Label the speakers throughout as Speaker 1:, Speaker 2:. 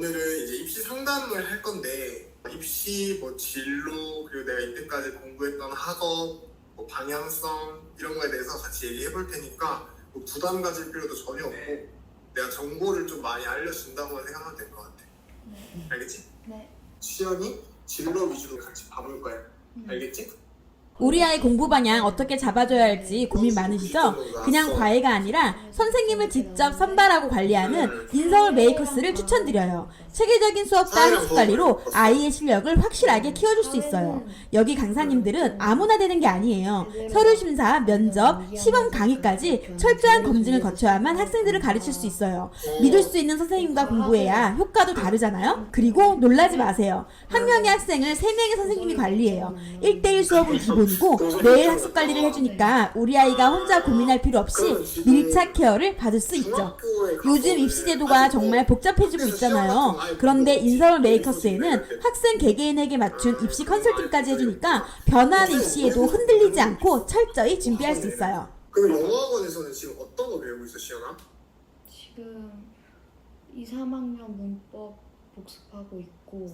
Speaker 1: 오늘은 이제 입시 상담을 할 건데 입시 뭐 진로 그리고 내가 이때까지 공부했던 학업 뭐 방향성 이런 거에 대해서 같이 얘기해 볼 테니까 뭐 부담 가질 필요도 전혀 없고 내가 정보를 좀 많이 알려준다고 생각하면 될 것 같아. 알겠지?
Speaker 2: 네.
Speaker 1: 시연이 진로 위주로 같이 봐볼 거야. 알겠지?
Speaker 3: 우리 아이 공부 방향 어떻게 잡아줘야 할지 고민 많으시죠? 그냥 과외가 아니라 선생님을 직접 선발하고 관리하는 인서울 메이커스를 추천드려요. 체계적인 수업과 학습 관리로 아이의 실력을 확실하게 키워줄 수 있어요. 여기 강사님들은 아무나 되는 게 아니에요. 서류 심사, 면접, 시범 강의까지 철저한 검증을 거쳐야만 학생들을 가르칠 수 있어요. 믿을 수 있는 선생님과 공부해야 효과도 다르잖아요? 그리고 놀라지 마세요. 한 명의 학생을 3명의 선생님이 관리해요. 1대1 수업은 기본이고 매일 학습 관리를 해주니까 우리 아이가 혼자 고민할 필요 없이 밀착 케어를 받을 수 있죠. 요즘 입시 제도가 정말 복잡해지고 있잖아요. 그런데 인서울 메이커스에는 학생 개개인에게 맞춘 입시 컨설팅까지 해주니까 변화한 입시에도 흔들리지 않고 철저히 준비할 수 있어요.
Speaker 1: 그럼 영어학원에서는 지금 어떤 거 배우고 있어, 시연아?
Speaker 2: 지금 2, 3학년 문법 복습하고 있고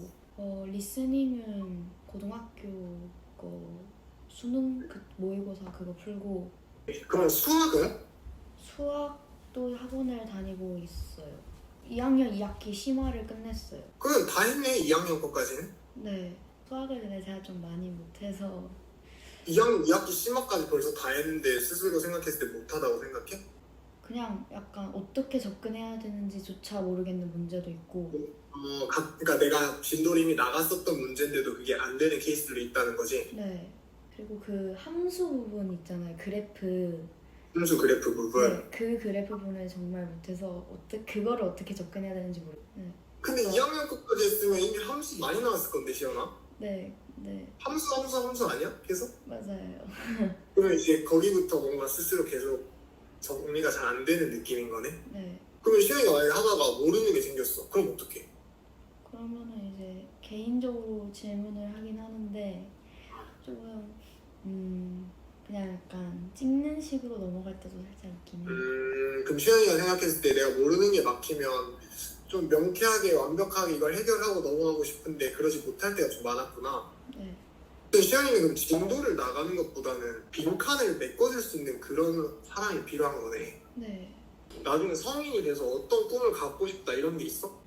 Speaker 2: 리스닝은 고등학교 거 수능 모의고사 그거 풀고
Speaker 1: 그럼 수학은?
Speaker 2: 수학도 학원을 다니고 있어요. 2학년 2학기 심화를 끝냈어요.
Speaker 1: 그건 다 했네, 2학년 거까지는.
Speaker 2: 네. 수학을 근데 제가 좀 많이 못해서
Speaker 1: 2학년 2학기 심화까지 벌써 다 했는데 스스로 생각했을 때 못하다고 생각해?
Speaker 2: 그냥 약간 어떻게 접근해야 되는지조차 모르겠는 문제도 있고
Speaker 1: 그러니까 내가 진도림이 나갔었던 문제인데도 그게 안 되는 케이스들이 있다는 거지?
Speaker 2: 네. 그리고 그 함수 부분 있잖아요. 그래프
Speaker 1: 함수 그래프 부분.
Speaker 2: 네, 그 그래프 부분을 정말 못해서 그거를 어떻게 접근해야 되는지 네.
Speaker 1: 근데 2학년 거까지 했으면 이미 함수 많이 나왔을 건데, 시연아?
Speaker 2: 네.
Speaker 1: 함수 아니야? 계속?
Speaker 2: 맞아요.
Speaker 1: 그러면 이제 거기부터 뭔가 스스로 계속 정리가 잘 안 되는 느낌인 거네?
Speaker 2: 네.
Speaker 1: 그러면 시연이가 만약에 하다가 모르는 게 생겼어. 그럼 어떡해?
Speaker 2: 그러면은 이제 개인적으로 질문을 하긴 하는데 조금 그냥 약간 찍는 식으로 넘어갈 때도 살짝 있긴 해요.
Speaker 1: 그럼 시연이가 생각했을 때 내가 모르는 게 막히면 좀 명쾌하게 완벽하게 이걸 해결하고 넘어가고 싶은데 그러지 못할 때가 좀 많았구나.
Speaker 2: 네.
Speaker 1: 근데 시연이는 그럼 진도를 나가는 것보다는 빈칸을 메꿔줄 수 있는 그런 사람이 필요한 거네.
Speaker 2: 네.
Speaker 1: 나중에 성인이 돼서 어떤 꿈을 갖고 싶다 이런 게 있어?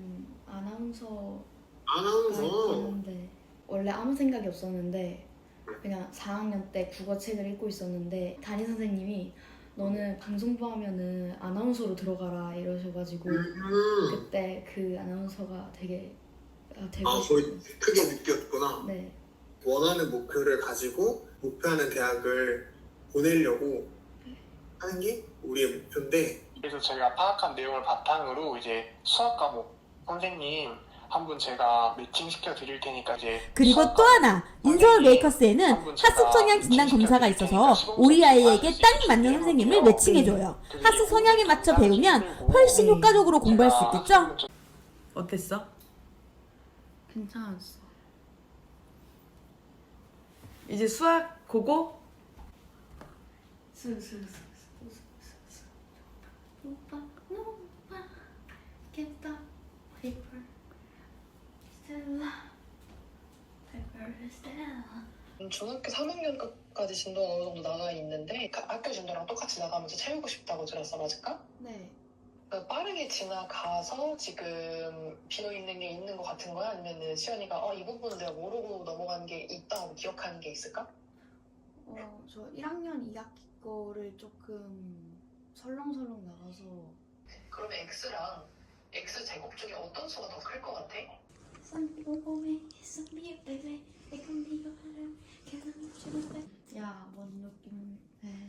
Speaker 2: 아나운서
Speaker 1: 아나운서?
Speaker 2: 있는데 원래 아무 생각이 없었는데 그냥 4학년 때 국어책을 읽고 있었는데 담임 선생님이 너는 방송부 하면은 아나운서로 들어가라 이러셔가지고 그때 그 아나운서가 되게 되고
Speaker 1: 거의
Speaker 2: 싶었어요.
Speaker 1: 크게 느꼈구나.
Speaker 2: 네.
Speaker 1: 원하는 목표를 가지고 목표하는 대학을 보내려고 하는 게 우리의 목표인데
Speaker 4: 그래서 저희가 파악한 내용을 바탕으로 이제 수학 과목 선생님 한 분 제가 매칭시켜 드릴 테니까 이제
Speaker 3: 그리고 또 하나, 인서울 메이커스에는 학습 성향 진단 검사가 있어서 우리 아이에게 딱 맞는 선생님을 매칭해줘요. 학습 성향에 맞춰 배우면 훨씬 효과적으로 공부할 수 있겠죠?
Speaker 5: 어땠어?
Speaker 2: 괜찮았어.
Speaker 5: 이제 수학 고고?
Speaker 2: 오빠 오빠 get the paper Stella paper Stella.
Speaker 6: 중학교 3학년까지 진도가 어느 정도 나가 있는데 그 학교 진도랑 똑같이 나가면서 채우고 싶다고 들었어, 맞을까?
Speaker 2: 네.
Speaker 6: 그러니까 빠르게 지나가서 지금 비어있는 게 있는 것 같은 거야? 아니면은 시연이가 이 부분은 내가 모르고 넘어간 게 있다고 기억하는 게 있을까?
Speaker 2: 저 1학년 2학기 거를 조금 설렁설렁 나가서
Speaker 6: 그러면 X랑 X 제곱 중에 어떤 수가 더 클 것 같아?
Speaker 2: 야, 뭔 느낌?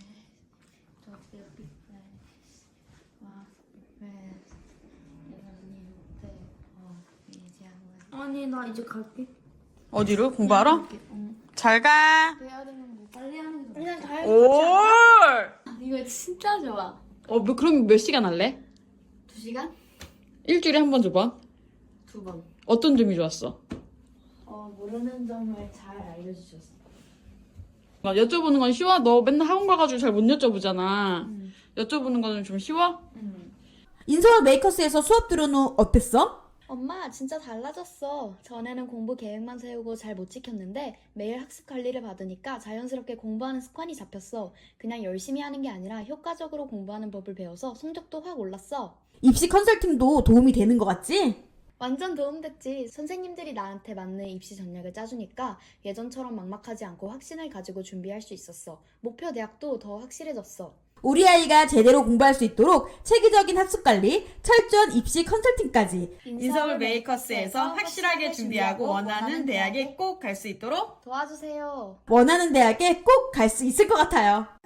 Speaker 2: 아니 나 이제 갈게.
Speaker 5: 어디로? 공부하러? 잘 가.
Speaker 2: 해야 되는 거 빨리 하는 게 그냥 가야
Speaker 5: 올!
Speaker 2: 이거 진짜 좋아.
Speaker 5: 그럼 몇 시간 할래?
Speaker 2: 2시간?
Speaker 5: 일주일에 한 번 줘봐.
Speaker 2: 2번.
Speaker 5: 어떤 점이 좋았어?
Speaker 2: 모르는 점을 잘 알려주셨어.
Speaker 5: 여쭤보는 건 쉬워? 너 맨날 학원 가가지고 잘 못 여쭤보잖아. 여쭤보는 거는 좀 쉬워?
Speaker 3: 인서울 메이커스에서 수업 들은 후 어땠어?
Speaker 2: 엄마, 진짜 달라졌어. 전에는 공부 계획만 세우고 잘 못 지켰는데 매일 학습 관리를 받으니까 자연스럽게 공부하는 습관이 잡혔어. 그냥 열심히 하는 게 아니라 효과적으로 공부하는 법을 배워서 성적도 확 올랐어.
Speaker 3: 입시 컨설팅도 도움이 되는 것 같지?
Speaker 2: 완전 도움됐지. 선생님들이 나한테 맞는 입시 전략을 짜주니까 예전처럼 막막하지 않고 확신을 가지고 준비할 수 있었어. 목표 대학도 더 확실해졌어.
Speaker 3: 우리 아이가 제대로 공부할 수 있도록 체계적인 학습관리, 철저한 입시 컨설팅까지
Speaker 2: 인서울 메이커스에서 확실하게 준비하고 원하는 대학에
Speaker 5: 꼭 갈 수 있도록
Speaker 2: 도와주세요.
Speaker 3: 원하는 대학에 꼭 갈 수 있을 것 같아요.